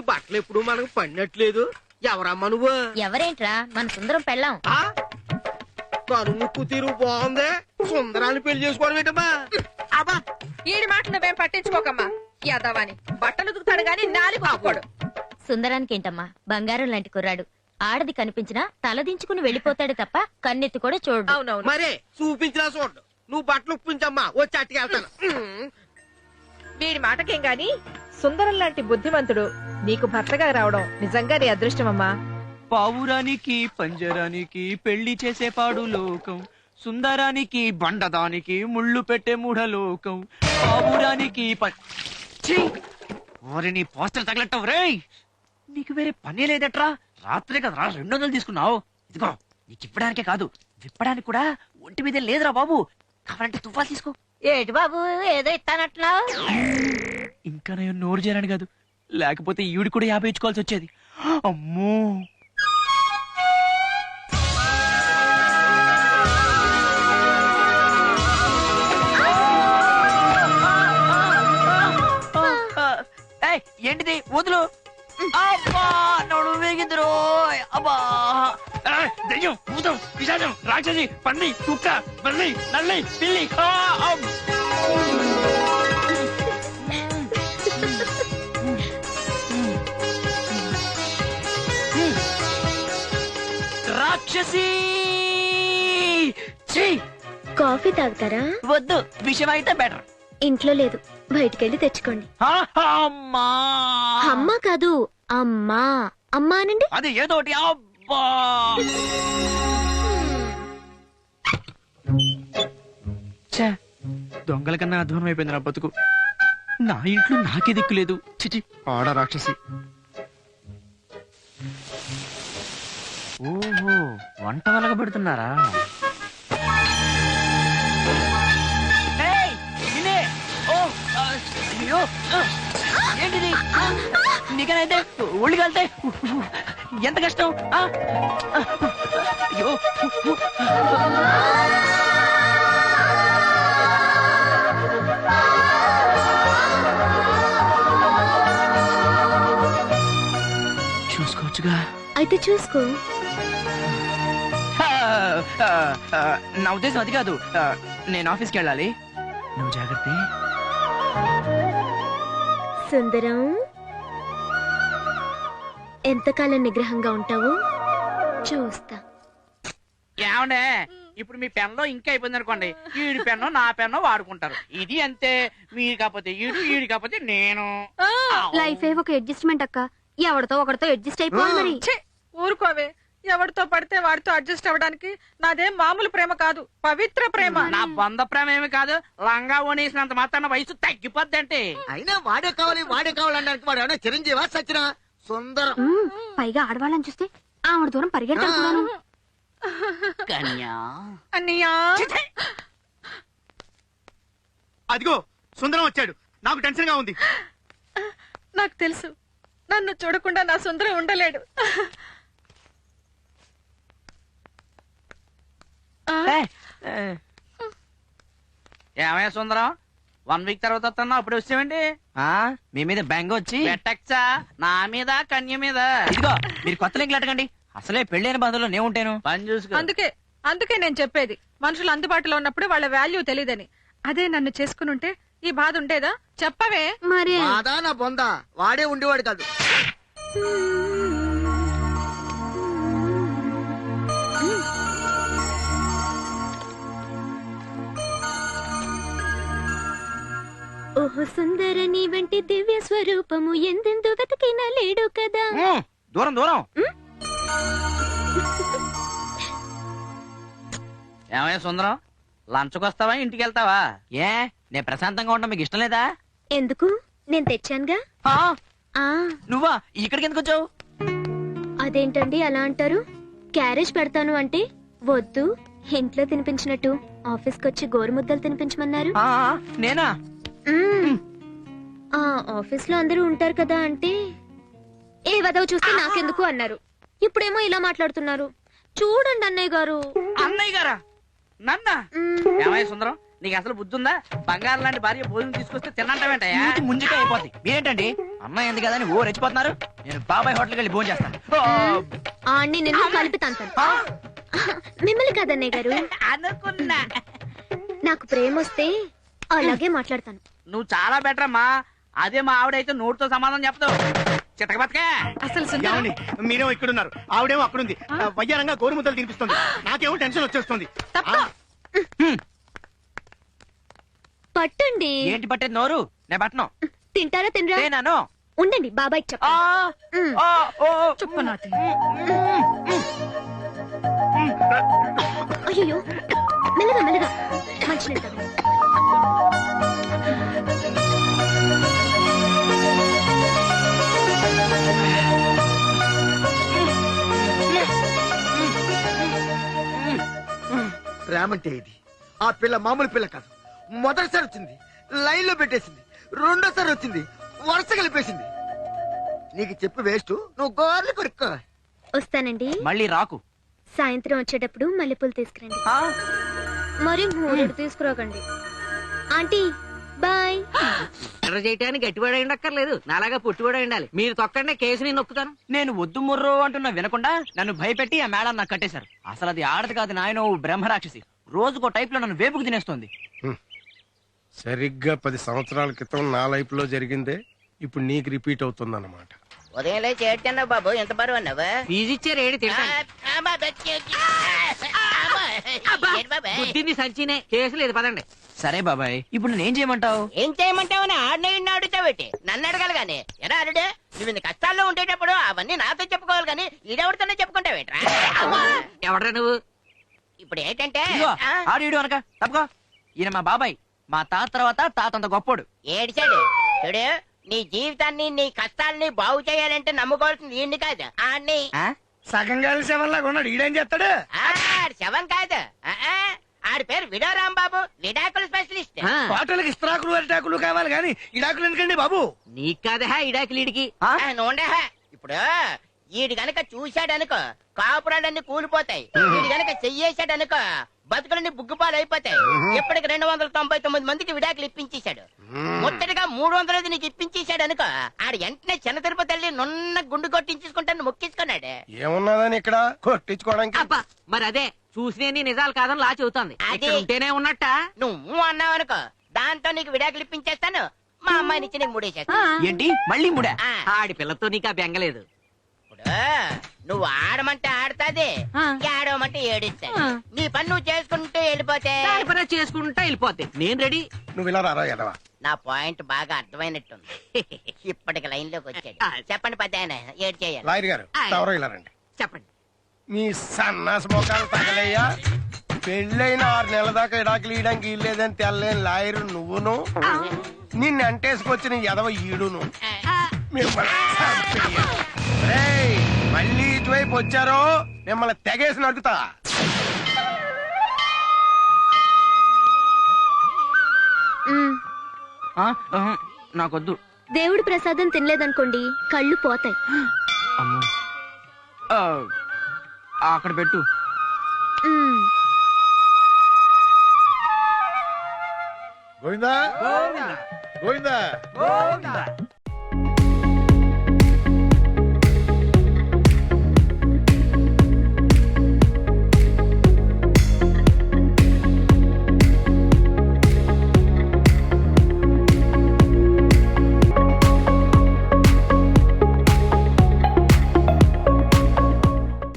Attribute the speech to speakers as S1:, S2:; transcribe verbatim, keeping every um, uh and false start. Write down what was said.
S1: బట్టలు ఎప్పుడు మనకు పడినట్లేదు. ఎవరమ్మా నువ్వు?
S2: ఎవరేంట్రా, మన సుందరం పెళ్ళాం.
S1: కను ముక్కు తీరు బాగుంది, సుందరాన్ని పెళ్లి చేసుకోవడం ఏంటమ్మా?
S3: అబ్బా ఈడి మాట నువ్వేం పట్టించుకోకమ్మా. యాదవాని బట్టలు ఉతుకుతాడు గాని నాలుగు ఆకోడు.
S2: సుందరానికి ఏంటమ్మా, బంగారం లాంటి కుర్రాడు. ఆడది కనిపించినా తలదించుకుని వెళ్ళిపోతాడు తప్ప కన్నెత్తి కూడా చూడు.
S3: అవునవును.
S1: మరే చూపించినా చూడు. నువ్వు బట్టలు ఉప్పించమ్మా, వచ్చి అట్టుకెళ్తాను.
S3: వీడి మాటకేం గాని సుందరం లాంటి బుద్ధిమంతుడు నీకు భర్తగా రావడం నిజంగా నీ అదృష్టమమ్మా.
S4: పావురానికి పంజరానికి పెళ్లి చేసే పాడు లోకం, సుందరానికి బండదానికి ముళ్ళు పెట్టే మూఢలోకం. పావురానికి నీ పోస్టర్ తగలట్టవు రే. నీకు వేరే పనే లేదట్రా. రాత్రే కదరా రెండు వందలు తీసుకున్నావు. ఇదిగో నీకు ఇప్పడానికే కాదు, విప్పడానికి కూడా ఒంటి మీద లేదురా బాబు. కావాలంటే తుఫాలు తీసుకో.
S2: ఏటి బాబు ఏదో ఇస్తానట్లా?
S4: ఇంకా నేను నోరు చేరాను కాదు, లేకపోతే ఈవిడ కూడా యాభై ఇచ్చుకోవాల్సి వచ్చేది. అమ్మో ఏంటిది వదులు. అబ్బా నోడు వేగిందిరో. అబ్బా దెయ్యం, భూతం, పిశాచం, రాక్షసి, పంది, కుక్క, బల్లి, నల్లి, పిల్లి. రాక్షసి.
S5: కాఫీ తాగుతారా?
S4: వద్దు, విషయం అయితే బెటర్.
S5: ఇంట్లో లేదు, బయటికెళ్ళి తెచ్చుకోండి.
S4: అమ్మా
S5: అమ్మా కాదు, అమ్మా. అమ్మా అనండి.
S4: అది ఏదోటి. అబ్బా దొంగల కన్నా అధ్వానం అయిపోయింది నా బతుకు. నా ఇంట్లో నాకే దిక్కు లేదు. చిచి ఆడ రాక్షసి. ఓహో వంట వలగ పెడుతున్నారా? ఏంటిది? నీకనైతే ఒళ్ళు కలితే ఎంత కష్టం. అయ్యో చూసుకోవచ్చుగా.
S5: అయితే చూసుకో.
S4: నా ఉద్దేశం అది కాదు. నేను ఆఫీస్కి వెళ్ళాలి, నువ్వు జాగ్రత్త.
S5: సుందరం, ఎంతకాలం నిగ్రహంగా ఉంటావు చూస్తా.
S6: ఏమండే ఇప్పుడు మీ పెన్లో ఇంకా అయిపోయింది అనుకోండి, ఈడి పెన్ను నా పెన్ను వాడుకుంటారు. ఇది అంతే. మీరు కాకపోతే ఈడు, ఈడు కాకపోతే నేను.
S5: లైఫ్ ఏ ఒక అడ్జస్ట్మెంట్ అక్క. ఎవరితో ఒకరితో అడ్జస్ట్ అయిపోవాలి మరి.
S3: ఊరుకోవే, ఎవరితో పడితే వాడితో అడ్జస్ట్ అవ్వడానికి నాదేం మామూలు ప్రేమ కాదు, పవిత్ర ప్రేమ.
S6: నా బంధ ప్రేమ ఏమి కాదు. లంగా ఓనేసినంత మాత్రాన వయసు తగ్గిపోద్ది అంటే.
S1: అయినా వాడే కావాలి వాడే కావాలనడానికి వాడు ఏమన్నా చిరంజీవా సచ్చినా? సుందరం
S5: పైగా ఆడవాళ్ళని చూస్తే ఆవిడ దూరం పరిగెట్టాను.
S6: కన్యా
S3: అన్నయ్యా,
S4: అదిగో సుందరం వచ్చాడు. నాకు టెన్షన్ గా ఉంది.
S3: నాకు తెలుసు, నన్ను చూడకుండా నా సుందరం ఉండలేడు.
S6: ఏమయ్యా సుందరం, వన్ వీక్ తర్వాత వస్తున్నా, అప్పుడు వచ్చామండి.
S4: మీ మీద బ్యాంగ్ వచ్చి
S6: పెట్టచ్చా? నా మీద కన్య మీద.
S4: ఇదిగో మీరు కొత్త లింకులు అడగండి. అసలే పెళ్ళైన బాధలో నేను ఉంటాను.
S6: పని చూసుకో.
S3: అందుకే అందుకే నేను చెప్పేది, మనుషులు అందుబాటులో ఉన్నప్పుడు వాళ్ళ వాల్యూ తెలియదని. అదే నన్ను చేసుకుని ఉంటే ఈ బాధ ఉండేదా? చెప్పవే.
S5: మరి
S1: బాధా నా బొందా వాడే ఉండేవాడు కాదు.
S5: ఓహో సుందర, నీ వంటి దివ్య స్వరూపము ఎందెందు వెతికినా లేడు కదా.
S4: దూరం దూరం.
S6: ఏమయ్యా సుందరం, లంచ్కి వస్తావా ఇంటికి వెళ్తావా?
S4: ఏ నేను ప్రశాంతంగా ఉంటా మీకు ఇష్టం లేదా?
S5: ఎందుకు, నేను తెచ్చానుగా. ఆ
S4: నువ్వా ఇక్కడికి ఎందుకు వచ్చావు?
S5: అదేంటండి అలా అంటారు? క్యారేజ్ పెడతాను అంటే వద్దు, ఇంట్లో తినిపించినట్టు ఆఫీస్కి వచ్చి గోరుముద్దలు తినిపించమన్నారు.
S4: నేనా?
S5: ఆ ఆఫీస్ లో అందరూ ఉంటారు కదా అంటే ఏ వదవ చూస్తే నాకెందుకు అన్నారు. ఇప్పుడేమో ఇలా మాట్లాడుతున్నారు. చూడండి అన్నయ్య గారు.
S6: అన్నయ్య గారా? నన్న ఏమయ్య సుందరం, నీకు అసలు బుద్ధి ఉందా? బంగారం లాంటి భార్య భోజనం తీసుకొస్తే తినంటావేంటయ్యా?
S4: ముందుకే అయిపోద్ది. మీరేంటండి అమ్మాయి ఎందుకు కదా అని ఓ రెచ్చిపోతున్నారు. నేను బాబాయ్ హోటల్కి వెళ్ళి భోజనం చేస్తాను. ఆ,
S5: ఆడిని నిన్ను కలిపి తంతాను. మిమ్మల్ని కాదన్నయ్య గారు,
S6: అనుకున్నా.
S5: నాకు ప్రేమ వస్తే అలాగే మాట్లాడతాను.
S6: నువ్వు చాలా బెటర్ అమ్మా. అదే మా ఆవిడైతే నోటితో సమాధానం చెప్తావు. చితక బతకే.
S3: అసలు సుందరం
S1: ఏమండి మీరేమో ఇక్కడున్నారు, ఆవిడేమో అక్కడుంది. వయ్యారంగా గోరుముద్దలు తినిపిస్తుంది, నాకేమో టెన్షన్ వచ్చేస్తుంది.
S3: తప్ప
S5: పట్టండి.
S4: ఏంటి పట్టేది నోరు? నేను పట్టను.
S5: తింటారా తినరా?
S4: నేనాను.
S5: ఉండండి బాబాయ్
S4: ఆ,
S5: చెప్తాను.
S4: ఆ, ఓ, ఓ.
S3: చుప్పు నాటి.
S5: అయ్యో మెల్లగా మెల్లగా మంచి తాగండి.
S1: ప్రేమంటే ఇది. ఆ పిల్ల మామూలు పిల్ల కాదు. మొదటిసారి వచ్చింది, లైన్ లో పెట్టేసింది. రెండోసారి వచ్చింది, వరుస కలిపేసింది. నీకు చెప్పి వేస్ట్, నువ్వు గోర్లు కొరుక్కో.
S5: వస్తానండి.
S4: మళ్ళీ రాకు.
S5: సాయంత్రం వచ్చేటప్పుడు మల్లెపూలు తీసుకురండి.
S4: ఆ,
S5: మరి మూడు తీసుకురాకండి. Aunty bye.
S7: ఎర్ర చేయటానికి గట్టివాడు అక్కర్లేదు, నాలాగా పుట్టివాడు ఉండాలి. మీరు తొక్కండి, కేసు నేను నొక్కుతాను.
S4: నేను వద్దు ముర్రో అంటున్నా వినకుండా నన్ను భయపెట్టి ఆ మేడం నాకు కట్టేశారు. అసలు అది ఆడది కాదు నాయన, బ్రహ్మరాక్షసి. రోజుకో టైప్ లో నన్ను వేపుకు తినేస్తోంది.
S8: సరిగ్గా పది సంవత్సరాల క్రితం నా లైఫ్ లో జరిగిందే ఇప్పుడు నీకు రిపీట్ అవుతుందన్నమాట.
S9: ఉదయం లేచి ఏడ్చన్నావు బాబు, ఎంత బరువు అన్నావు?
S7: ఫీజు ఇచ్చారు ఏడు తింటాను. బుద్ధింది సంచినే, కేసు లేదు పదండి.
S4: సరే బాబాయ్, ఇప్పుడు నేనేం చేయమంటావు?
S9: ఏం చేయమంటావు? ఆడిన ఇన్ని అడుగుతావేటి? నన్ను అడగాలి గాని. ఎరా అరుడే, నువ్వు ఇంత కష్టాల్లో ఉండేటప్పుడు అవన్నీ నాతో చెప్పుకోవాలి గాని ఈడెవరితోనే చెప్పుకుంటావేట్రా?
S7: ఎవడ్రా నువ్వు?
S9: ఇప్పుడు ఏంటంటే
S4: ఇదిగో,
S9: ఆ,
S4: ఆడు ఈడు అనక తప్పుకో. ఈయన మా బాబాయ్, మా తాత తర్వాత తాతంత గొప్పోడు.
S9: ఏడిచాడు చూడు. నీ జీవితాన్ని నీ కష్టాలని బాగు చేయాలంటే నమ్ముకోవాల్సింది ఈయన్ని కాదు, ఆడిని.
S4: ఆ?
S1: సగం కలిసి శవంలాగా ఉన్నాడు, ఈడేం చేస్తాడు?
S9: ఆడి శవం కాదు, ఆ, ఆ, ఆడి పేరు విడో రాంబాబు, విడాకుల స్పెషలిస్ట్.
S7: ఆ,
S1: హోటల్కి ఇస్త్రాకులు అరిటాకులు కావాలి కానీ ఇడాకులు ఎందుకండి బాబు?
S7: నీకు కాదా ఇడాకిలీడికి?
S4: ఆ?
S9: ఆ, నూనె హ. ఇప్పుడు ఈడు గనక చూశాడనుకో కాపురాలన్నీ కూలిపోతాయి. ఈడు గనక చెయ్యేశాడనుకో బతుకులన్నీ బుగ్గుపాలు అయిపోతాయి. ఇప్పటికి రెండు వందల తొంభై తొమ్మిది మందికి విడాకులు ఇప్పించేశాడు. ముట్టడిగా మూడు వందలది నీకు ఇప్పించేశాడు అనుకో, ఆడు వెంటనే చిన్న తిరుపతి వెళ్ళి నున్న గుండు కొట్టించుకుంటాను మొక్కించుకున్నాడు.
S8: ఏమున్నదని ఇక్కడ కొట్టించుకోవడానికి?
S7: అబ్బా మరి అదే చూసినే నిజాలు కాదని లా చెబుతాంది.
S9: అది-
S7: ఇక్కడ ఉంటేనే ఉన్నట్ట.
S9: నువ్వు అన్నావు అనుకో, దాంతో నీకు విడాకులు ఇప్పించేస్తాను. మా అమ్మాయిని ఇచ్చి నీకు మూడేసేస్తాను.
S4: ఏంటి మళ్ళీ ముడా?
S9: ఆ,
S7: ఆడి పిల్లతో నీకు ఆ బెంగలేదు.
S9: ఇప్పుడు నువ్వు ఆడమంటే ఆడతాది,
S3: ఆ.
S9: ఏడవమంటే ఏడిస్తాది.
S3: ఆ.
S9: నీ పని నువ్వు చేసుకుంటూ వెళ్ళిపోతే
S7: దాని పని చేసుకుంటా వెళ్ళిపోతే నేను రెడీ.
S8: నువ్వు ఇలా రారా ఎడవా.
S9: నా పాయింట్ బాగా అర్థమైనట్టుంది. ఇప్పటికి లైన్ లోకి వచ్చాడు.
S7: ఆ.
S9: చెప్పండి పెద్ద ఆయన, ఏడు చేయాలి.
S8: లాయర్ గారు ఎవరో ఇలా రండి.
S7: చెప్పండి.
S8: మీ సన్నాస మోకాలు తగలయ్యా. పెళ్ళైన ఆరు నెలల దాకా ఇడాకులు ఇయడానికి ఇల్లేదని తెల్లేని లాయరు నువ్వును, నిన్ను అంటేసుకొచ్చిన ఎదవ ఈడును. మిమ్మల్ని చంపేయ. రేయ్, మళ్ళీ ఇటువైపు వచ్చారో మిమ్మల్ని తెగేసి నడుగుతా.
S5: మ్,
S4: ఆ? ఆహా, నాకొద్దు.
S5: దేవుడి ప్రసాదం తినలేదనుకోండి కళ్ళు పోతాయి.
S4: అమ్మో. ఆ, అక్కడ పెట్టు.
S5: మ్,
S8: గోవిందా గోవిందా